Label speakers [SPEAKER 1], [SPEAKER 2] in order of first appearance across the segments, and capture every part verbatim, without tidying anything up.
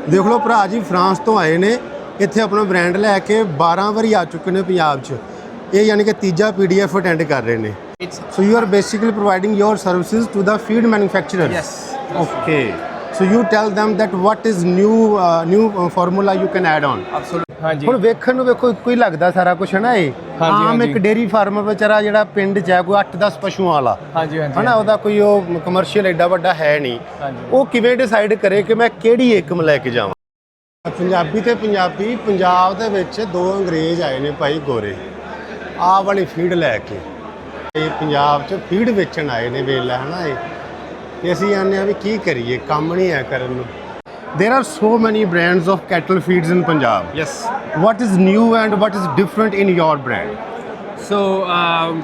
[SPEAKER 1] ਦੇਖ ਲਓ ਭਰਾ ਜੀ ਫਰਾਂਸ ਤੋਂ ਆਏ ਨੇ ਇੱਥੇ ਆਪਣਾ ਬ੍ਰਾਂਡ ਲੈ ਕੇ ਬਾਰਾਂ ਵਾਰੀ ਆ ਚੁੱਕੇ ਨੇ ਪੰਜਾਬ 'ਚ। ਇਹ ਯਾਨੀ ਕਿ ਤੀਜਾ ਪੀਡੀਐਫ ਅਟੈਂਡ ਕਰ ਰਹੇ ਨੇ। So you are basically providing your services to the feed manufacturer.
[SPEAKER 2] Yes.
[SPEAKER 1] Okay, so you tell them that what is new uh, new uh, formula you can add on।
[SPEAKER 2] Absolutely. ਹਾਂਜੀ
[SPEAKER 1] ਹੁਣ ਵੇਖਣ ਨੂੰ ਵੇਖੋ ਇੱਕੋ ਹੀ ਲੱਗਦਾ ਸਾਰਾ ਕੁਝ ਹੈ ਨਾ। ਇਹ
[SPEAKER 2] ਹਾਂਜੀ,
[SPEAKER 1] ਆਮ
[SPEAKER 2] ਹਾਂਜੀ।
[SPEAKER 1] ਇੱਕ ਡੇਰੀ ਫਾਰਮਰ ਵਿਚਾਰਾ ਜਿਹੜਾ ਪਿੰਡ 'ਚ ਹੈ ਕੋਈ ਅੱਠ ਦਸ ਪਸ਼ੂਆਂ ਵਾਲਾ
[SPEAKER 2] ਹਾਂਜੀ ਹਾਂਜੀ
[SPEAKER 1] ਹਨਾ, ਉਹਦਾ ਕੋਈ ਉਹ ਕਮਰਸ਼ੀਅਲ ਐਡਾ ਵੱਡਾ ਹੈ ਨਹੀਂ।
[SPEAKER 2] ਹਾਂਜੀ।
[SPEAKER 1] ਉਹ ਕਿਵੇਂ ਡਿਸਾਈਡ ਕਰੇ ਕਿ ਮੈਂ ਕਿਹੜੀ ਏਕਮ ਲੈ ਕੇ ਜਾਵਾਂ। ਪੰਜਾਬੀ ਤੇ ਪੰਜਾਬੀ ਪੰਜਾਬ ਦੇ ਵਿੱਚ ਦੋ ਅੰਗਰੇਜ਼ ਆਏ ਨੇ ਭਾਈ ਗੋਰੇ, ਆਹ ਵਾਲੀ ਫੀਡ ਲੈ ਕੇ। ਇਹ ਪੰਜਾਬ 'ਚ ਫੀਡ ਵੇਚਣ ਆਏ ਨੇ ਵੇਲਾ ਹੈ ਨਾ। ਇਹ ਤੇ ਅਸੀਂ ਆਨੇ ਆ ਵੀ ਕੀ ਕਰੀਏ, ਕੰਮ ਨਹੀਂ ਹੈ ਕਰਨ ਨੂੰ। There are so many brands of cattle feeds in Punjab.
[SPEAKER 2] Yes.
[SPEAKER 1] What is new and what is different in your brand?
[SPEAKER 2] So um,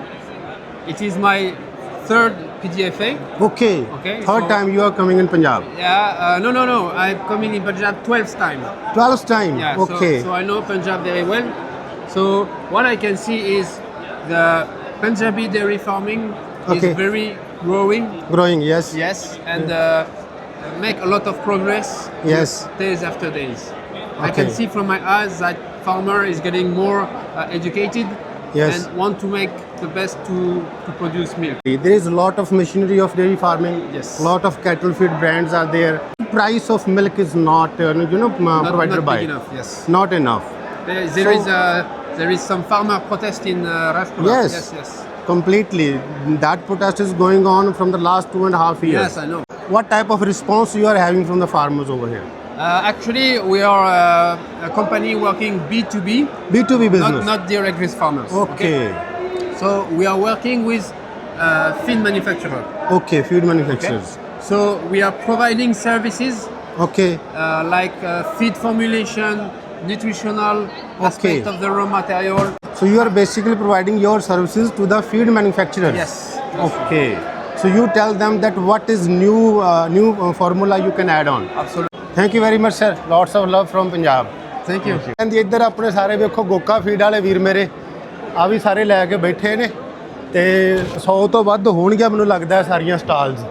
[SPEAKER 2] it is my third P D F A.
[SPEAKER 1] Okay.
[SPEAKER 2] Okay,
[SPEAKER 1] Third
[SPEAKER 2] so-
[SPEAKER 1] time you are coming in Punjab.
[SPEAKER 2] Yeah. Uh, no, no, no. I'm coming in Punjab twelfth time.
[SPEAKER 1] twelfth time.
[SPEAKER 2] Yeah.
[SPEAKER 1] Okay.
[SPEAKER 2] So, so I know Punjab very well. So what I can see is the Punjabi dairy farming
[SPEAKER 1] Okay.
[SPEAKER 2] is very growing.
[SPEAKER 1] Growing. Yes.
[SPEAKER 2] Yes, and uh, make a lot of progress.
[SPEAKER 1] Yes.
[SPEAKER 2] Days after days. I
[SPEAKER 1] Okay.
[SPEAKER 2] can see from my eyes that farmer is getting more uh, educated.
[SPEAKER 1] Yes.
[SPEAKER 2] And want to make the best to, to produce milk.
[SPEAKER 1] There is a lot of machinery of dairy farming.
[SPEAKER 2] Yes.
[SPEAKER 1] Lot of cattle feed brands are there. Price of milk is not, uh, you know, uh,
[SPEAKER 2] Not,
[SPEAKER 1] provided
[SPEAKER 2] not
[SPEAKER 1] by.
[SPEAKER 2] big enough. Yes.
[SPEAKER 1] Not enough.
[SPEAKER 2] There, there
[SPEAKER 1] So-
[SPEAKER 2] is a there is some farmer protest in uh, Rajpura.
[SPEAKER 1] Yes.
[SPEAKER 2] Yes. Yes.
[SPEAKER 1] Completely. That protest is going on from the last two and a half years.
[SPEAKER 2] Yes, I know.
[SPEAKER 1] What type of response you are having from the farmers over here?
[SPEAKER 2] Uh, actually, we are uh, a company working B two B,
[SPEAKER 1] B two B business.
[SPEAKER 2] not not direct with farmers.
[SPEAKER 1] Okay.
[SPEAKER 2] So we are working with uh, feed manufacturer.
[SPEAKER 1] Okay, feed manufacturers.
[SPEAKER 2] So we are providing services
[SPEAKER 1] Okay.
[SPEAKER 2] uh, like uh, feed formulation, nutritional aspect of the raw material.
[SPEAKER 1] So you are basically providing your services to the feed manufacturers.
[SPEAKER 2] Yes.
[SPEAKER 1] Okay. So you tell them that what is new uh, new uh, formula you can add on.
[SPEAKER 2] Absolutely.
[SPEAKER 1] Thank you very much sir. Lots of love from Punjab.
[SPEAKER 2] Thank you.
[SPEAKER 1] ਕਹਿੰਦੀ ਇੱਧਰ ਆਪਣੇ ਸਾਰੇ ਵੇਖੋ ਗੋਕਾ feed ਵਾਲੇ ਵੀਰ ਮੇਰੇ ਆ ਵੀ ਸਾਰੇ ਲੈ ਕੇ ਬੈਠੇ ਨੇ ਤੇ ਸੌ ਤੋਂ ਵੱਧ ਹੋਣਗੇ ਮੈਨੂੰ ਲੱਗਦਾ ਹੈ ਸਾਰੀਆਂ ਸਟਾਲਸ।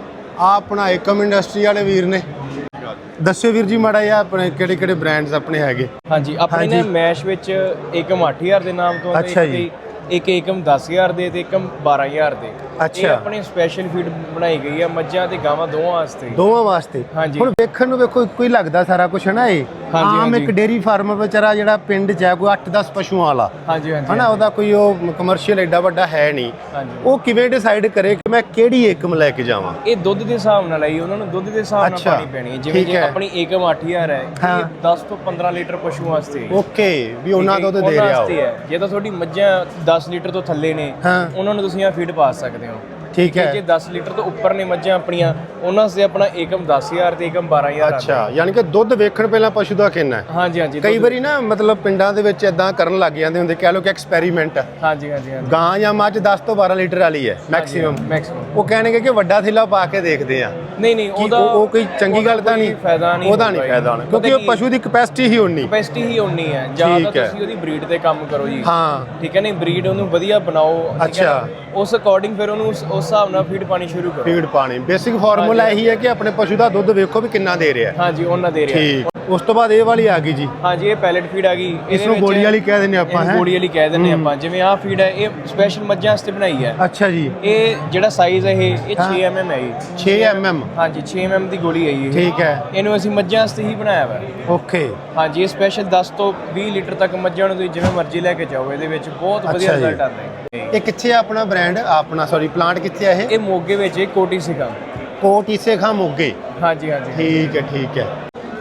[SPEAKER 1] ਆ ਆਪਣਾ ਏਕਮ ਇੰਡਸਟਰੀ ਵਾਲੇ ਵੀਰ ਨੇ। ਦੱਸਿਓ ਵੀਰ ਜੀ ਮਾੜਾ ਜਿਹਾ ਆਪਣੇ ਕਿਹੜੇ ਕਿਹੜੇ ਬ੍ਰਾਂਡਸ ਆਪਣੇ ਹੈਗੇ।
[SPEAKER 3] ਹਾਂਜੀ ਆਪਣੇ ਨੇ
[SPEAKER 1] ਹਾਂਜੀ।
[SPEAKER 3] ਮੈਸ਼ ਵਿੱਚ ਏਕਮ ਅੱਠ ਹਜ਼ਾਰ ਦੇ ਨਾਮ ਤੋਂ
[SPEAKER 1] ਅੱਛਾ ਜੀ।
[SPEAKER 3] ਇੱਕ ਏਕਮ ਦਸ ਹਜ਼ਾਰ ਦੇ ਤੇ ਏਕਮ ਬਾਰਾਂ ਹਜ਼ਾਰ ਦੇ।
[SPEAKER 1] ਅੱਛਾ।
[SPEAKER 3] ਇਹ ਆਪਣੀ ਸਪੈਸ਼ਲ ਫੀਡ ਬਣਾਈ ਗਈ ਆ ਮੱਝਾਂ ਤੇ ਗਾਵਾਂ ਦੋਵਾਂ ਵਾਸਤੇ।
[SPEAKER 1] ਦੋਵਾਂ ਵਾਸਤੇ।
[SPEAKER 3] ਹਾਂਜੀ।
[SPEAKER 1] ਹੁਣ ਵੇਖਣ ਨੂੰ ਵੇਖੋ ਇੱਕੋ ਹੀ ਲੱਗਦਾ ਸਾਰਾ ਕੁਝ ਹੈ ਨਾ। ਇਹ
[SPEAKER 3] ਹਾਂਜੀ,
[SPEAKER 1] ਆਮ
[SPEAKER 3] ਹਾਂਜੀ।
[SPEAKER 1] ਇੱਕ ਡੇਰੀ ਫਾਰਮਰ ਵਿਚਾਰਾ ਜਿਹੜਾ ਪਿੰਡ 'ਚ ਹੈ ਕੋਈ ਅੱਠ ਦਸ ਪਸ਼ੂਆਂ ਵਾਲਾ
[SPEAKER 3] ਹਾਂਜੀ ਹਾਂਜੀ
[SPEAKER 1] ਹਨਾ, ਉਹਦਾ ਕੋਈ ਉਹ ਕਮਰਸ਼ੀਅਲ ਐਡਾ ਵੱਡਾ ਹੈ ਨਹੀਂ।
[SPEAKER 3] ਹਾਂਜੀ।
[SPEAKER 1] ਉਹ ਕਿਵੇਂ ਡਿਸਾਈਡ ਕਰੇ ਕਿ ਮੈਂ ਕਿਹੜੀ ਏਕਮ ਲੈ ਕੇ ਜਾਵਾਂ।
[SPEAKER 3] ਇਹ ਦੁੱਧ ਦੇ ਹਿਸਾਬ ਨਾਲ ਆਈ ਉਹਨਾਂ ਨੂੰ ਦੁੱਧ ਦੇ ਹਿਸਾਬ ਨਾਲ
[SPEAKER 1] ਅੱਛਾ।
[SPEAKER 3] ਪਾਣੀ ਪੈਣੀ ਹੈ। ਜਿਵੇਂ
[SPEAKER 1] ਠੀਕ
[SPEAKER 3] ਜੇ
[SPEAKER 1] ਹੈ।
[SPEAKER 3] ਆਪਣੀ ਏਕਮ ਅੱਠ ਹਜ਼ਾਰ ਹੈ
[SPEAKER 1] ਹਾਂ।
[SPEAKER 3] ਇਹ ਦਸ ਤੋਂ ਪੰਦਰਾਂ ਲੀਟਰ ਪਸ਼ੂ ਵਾਸਤੇ ਹੈ।
[SPEAKER 1] ਓਕੇ, ਵੀ ਉਹਨਾਂ
[SPEAKER 3] ਠੀਕ ਹੈ,
[SPEAKER 1] ਦੁੱਧ ਦੇ
[SPEAKER 3] ਉਹਨਾਂ
[SPEAKER 1] ਰਿਹਾ
[SPEAKER 3] ਵਾਸਤੇ
[SPEAKER 1] ਹੋ।
[SPEAKER 3] ਹੈ। ਜੇ ਤਾਂ ਤੁਹਾਡੀ ਮੱਝਾਂ ਦਸ ਲੀਟਰ ਤੋਂ ਥੱਲੇ ਨੇ
[SPEAKER 1] ਹਾਂ।
[SPEAKER 3] ਉਹਨਾਂ ਨੂੰ ਤੁਸੀਂ ਆ ਫੀਡ ਪਾ ਸਕਦੇ ਹੋ।
[SPEAKER 1] ਠੀਕ ਹੈ।
[SPEAKER 3] ਜੇ ਦਸ ਲੀਟਰ ਤੋਂ ਉੱਪਰ ਨੇ ਮੱਝਾਂ ਆਪਣੀਆਂ ਉਹਨਾਂ ਵਾਸਤੇ ਆਪਣਾ ਏਕਮ ਦਸ ਹਜ਼ਾਰ ਤੇ ਏਕਮ ਬਾਰਾਂ ਹਜ਼ਾਰ।
[SPEAKER 1] ਅੱਛਾ, ਯਾਨੀ ਕਿ ਦੁੱਧ ਵੇਖਣ ਪਹਿਲਾਂ ਪਸ਼ੂ ਦਾ ਕਿੰਨਾ ਹੈ।
[SPEAKER 3] ਹਾਂਜੀ ਹਾਂਜੀ
[SPEAKER 1] ਕਈ ਵਾਰੀ ਨਾ ਮਤਲਬ ਪਿੰਡਾਂ ਦੇ ਵਿੱਚ ਇਦਾਂ ਕਰਨ ਲੱਗ ਜਾਂਦੇ ਹੁੰਦੇ, ਕਹਿ ਲਓ ਕਿ ਐਕਸਪੈਰੀਮੈਂਟ।
[SPEAKER 3] ਹਾਂਜੀ ਹਾਂਜੀ ਹਾਂਜੀ
[SPEAKER 1] ਗਾਂ ਜਾਂ ਮੱਝ ਦਸ ਤੋਂ ਬਾਰਾਂ ਲੀਟਰ ਵਾਲੀ ਹੈ ਮੈਕਸਿਮਮ।
[SPEAKER 3] ਮੈਕਸਿਮਮ
[SPEAKER 1] ਉਹ ਕਹਿਣਗੇ ਕਿ ਵੱਡਾ ਥੈਲਾ ਪਾ ਕੇ ਦੇਖਦੇ ਆ।
[SPEAKER 3] ਨਹੀਂ ਨਹੀਂ
[SPEAKER 1] ਕੀ
[SPEAKER 3] ਉਹਦਾ
[SPEAKER 1] ਉਹ ਉਹ ਕੋਈ ਚੰਗੀ ਗੱਲ ਤਾਂ ਨਹੀਂ,
[SPEAKER 3] ਫਾਇਦਾ ਨਹੀਂ
[SPEAKER 1] ਉਹਦਾ ਨਹੀਂ ਫਾਇਦਾ ਹੋਣਾ, ਕਿਉਂਕਿ ਉਹ ਪਸ਼ੂ ਦੀ ਕਪੈਸਿਟੀ ਹੀ ਉਨੀ।
[SPEAKER 3] ਕਪੈਸਿਟੀ ਹੀ ਉਨੀ ਹੈ। ਜਾਂ ਤਾਂ
[SPEAKER 1] ਠੀਕ ਹੈ।
[SPEAKER 3] ਤੁਸੀਂ ਉਹਦੀ ਬਰੀਡ ਤੇ ਕੰਮ ਕਰੋ ਜੀ।
[SPEAKER 1] ਹਾਂ।
[SPEAKER 3] ਠੀਕ ਹੈ ਨਹੀਂ ਬਰੀਡ ਉਹਨੂੰ ਵਧੀਆ ਬਣਾਓ। ਠੀਕ ਹੈ
[SPEAKER 1] ਅੱਛਾ।
[SPEAKER 3] ਨਾ? ਉਸ ਅਕੋਰਡਿੰਗ ਫਿਰ ਉਹਨੂੰ ਉਸ ਉਸ ਹਿਸਾਬ ਨਾਲ ਫੀਡ ਪਾਣੀ ਸ਼ੁਰੂ ਕਰੋ।
[SPEAKER 1] ਫੀਡ ਪਾਣੀ ਬੇਸਿਕ ਫਾਰਮੂਲਾ ਇਹੀ ਹੈ ਕਿ ਆਪਣੇ ਪਸ਼ੂ ਦਾ ਦੁੱਧ ਵੇਖੋ ਵੀ ਕਿੰਨਾ ਦੇ ਰਿਹਾ।
[SPEAKER 3] ਹਾਂਜੀ ਉਹਨਾਂ ਦੇ ਰਿਹਾ।
[SPEAKER 1] ਠੀਕ। ਉਸ ਤੋਂ ਬਾਅਦ ਇਹ ਵਾਲੀ ਆ ਗਈ ਜੀ।
[SPEAKER 3] ਹਾਂਜੀ ਇਹ ਪੈਲਟ ਫੀਡ ਆ ਗਈ।
[SPEAKER 1] ਇਸ ਨੂੰ ਗੋਲੀ ਵਾਲੀ ਕਹਿ ਦਿੰਦੇ ਆਪਾਂ ਹੈ।
[SPEAKER 3] ਗੋਲੀ ਵਾਲੀ ਕਹਿ ਦਿੰਦੇ ਆਪਾਂ। ਜਿਵੇਂ ਆਹ ਫੀਡ ਹੈ ਇਹ ਸਪੈਸ਼ਲ ਮੱਝਾਂ ਵਾਸਤੇ ਬਣਾਈ ਹੈ।
[SPEAKER 1] ਅੱਛਾ ਜੀ।
[SPEAKER 3] ਇਹ ਜਿਹੜਾ ਸਾਈਜ਼ ਹੈ ਇਹ ਇਹ ਛੇ ਐਮ ਐਮ ਹੈ ਜੀ।
[SPEAKER 1] ਛੇ ਐਮ ਐਮ।
[SPEAKER 3] ਹਾਂਜੀ ਛੇ ਐਮ ਐਮ ਦੀ ਗੋਲੀ ਹੈ ਜੀ ਇਹ।
[SPEAKER 1] ਠੀਕ ਹੈ।
[SPEAKER 3] ਇਹਨੂੰ ਅਸੀਂ ਮੱਝਾਂ ਵਾਸਤੇ ਹੀ ਬਣਾਇਆ ਵਾ।
[SPEAKER 1] ਓਕੇ।
[SPEAKER 3] ਹਾਂਜੀ ਇਹ ਸਪੈਸ਼ਲ ਦਸ ਤੋਂ ਵੀਹ ਲੀਟਰ ਤੱਕ ਮੱਝਾਂ ਨੂੰ ਤੁਸੀਂ ਜਿਵੇਂ ਮਰਜ਼ੀ ਲੈ ਕੇ ਜਾਓ। ਇਹਦੇ ਵਿੱਚ ਬਹੁਤ ਵਧੀਆ
[SPEAKER 1] ਅੱਛਾ ਜੀ।
[SPEAKER 3] ਰਿਜ਼ਲਟ ਆਉਂਦੇ ਨੇ।
[SPEAKER 1] ਇਹ ਕਿੱਥੇ ਆ ਆਪਣਾ ਬ੍ਰਾਂਡ, ਆਪਣਾ ਸੌਰੀ ਪਲਾਂਟ ਕਿੱਥੇ ਆ ਇਹ?
[SPEAKER 3] ਇਹ ਮੋਗੇ ਵਿੱਚ ਇਹ ਕੋਟੀ ਸਿਖਾ।
[SPEAKER 1] ਕੋਟ ਈਸੇ ਖਾਂ ਮੋਗੇ।
[SPEAKER 3] ਹਾਂਜੀ ਹਾਂਜੀ
[SPEAKER 1] ਠੀਕ ਹੈ ਠੀਕ ਹੈ।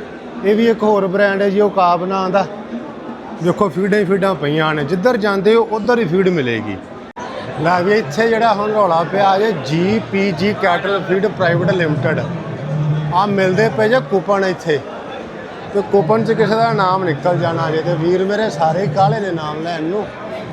[SPEAKER 1] ਇਹ ਵੀ ਇੱਕ ਹੋਰ ਬ੍ਰਾਂਡ ਹੈ ਜੀ, ਉਹ ਕਾਬ ਨਾਂ ਦਾ। ਦੇਖੋ ਫੀਡਾਂ ਹੀ ਫੀਡਾਂ ਪਈਆਂ ਨੇ, ਜਿੱਧਰ ਜਾਂਦੇ ਹੋ ਉਧਰ ਹੀ ਫੀਡ ਮਿਲੇਗੀ। ਲੈ ਵੀ ਇੱਥੇ ਜਿਹੜਾ ਹੁਣ ਰੌਲਾ ਪਿਆ ਜੇ ਜੀ ਪੀ ਜੀ ਕੈਟਲ ਫੀਡ ਪ੍ਰਾਈਵੇਟ ਲਿਮਟਿਡ ਆ ਮਿਲਦੇ ਪਏ ਜੇ ਕੂਪਨ ਇੱਥੇ, ਤੇ ਕੂਪਨ 'ਚ ਕਿਸੇ ਦਾ ਨਾਮ ਨਿਕਲ ਜਾਣਾ ਜੇ, ਤੇ ਵੀਰ ਮੇਰੇ ਸਾਰੇ ਕਾਲੇ ਨੇ ਨਾਮ ਲੈਣ ਨੂੰ।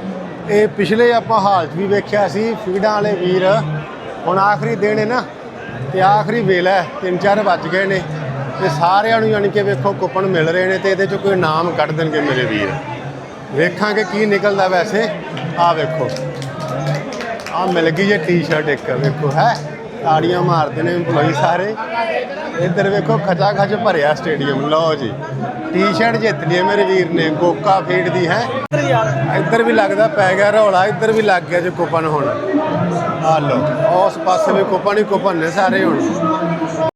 [SPEAKER 1] ਇਹ ਪਿਛਲੇ ਆਪਾਂ ਹਾਲ 'ਚ ਵੀ ਵੇਖਿਆ ਸੀ ਫੀਡਾਂ ਵਾਲੇ ਵੀਰ। ਹੁਣ ਆਖਰੀ ਦਿਨ ਹੈ ਨਾ, ਤੇ ਆਖਰੀ ਵੇਲਾ ਹੈ, ਤਿੰਨ ਚਾਰ ਵੱਜ ਗਏ ਨੇ, ਤੇ ਸਾਰਿਆਂ ਨੂੰ ਯਾਨੀ ਕਿ ਵੇਖੋ ਕੂਪਨ ਮਿਲ ਰਹੇ ਨੇ, ਤੇ ਇਹਦੇ 'ਚ ਕੋਈ ਨਾਮ ਕੱਢ ਦੇਣਗੇ ਮੇਰੇ ਵੀਰ। ਵੇਖਾਂਗੇ ਕੀ ਨਿਕਲਦਾ। ਵੈਸੇ ਆਹ ਵੇਖੋ, ਆਹ ਮਿਲ ਗਈ ਜੇ ਟੀ-ਸ਼ਰਟ ਇੱਕ, ਵੇਖੋ ਹੈ ਤਾੜੀਆਂ ਮਾਰਦੇ ਨੇ EMPLOYEE ਸਾਰੇ। ਇੱਧਰ ਵੇਖੋ ਖਚਾ ਖਚ ਭਰਿਆ ਸਟੇਡੀਅਮ। ਲਓ ਜੀ ਟੀ-ਸ਼ਰਟ ਜਿੱਤ ਲਈ ਮੇਰੇ ਵੀਰ ਨੇ ਕੋਕਾ ਫੀਡ ਦੀ ਹੈ। ਇੱਧਰ ਵੀ ਲੱਗਦਾ ਪੈ ਗਿਆ ਰੌਲਾ, ਇੱਧਰ ਵੀ ਲੱਗ ਗਿਆ ਜੀ ਕੁਪਨ ਹੁਣ। ਆ ਲਓ ਉਸ ਪਾਸੇ ਵੀ ਕੁਪਨ ਹੀ ਕੁਪਨ ਨੇ ਸਾਰੇ ਹੁਣ।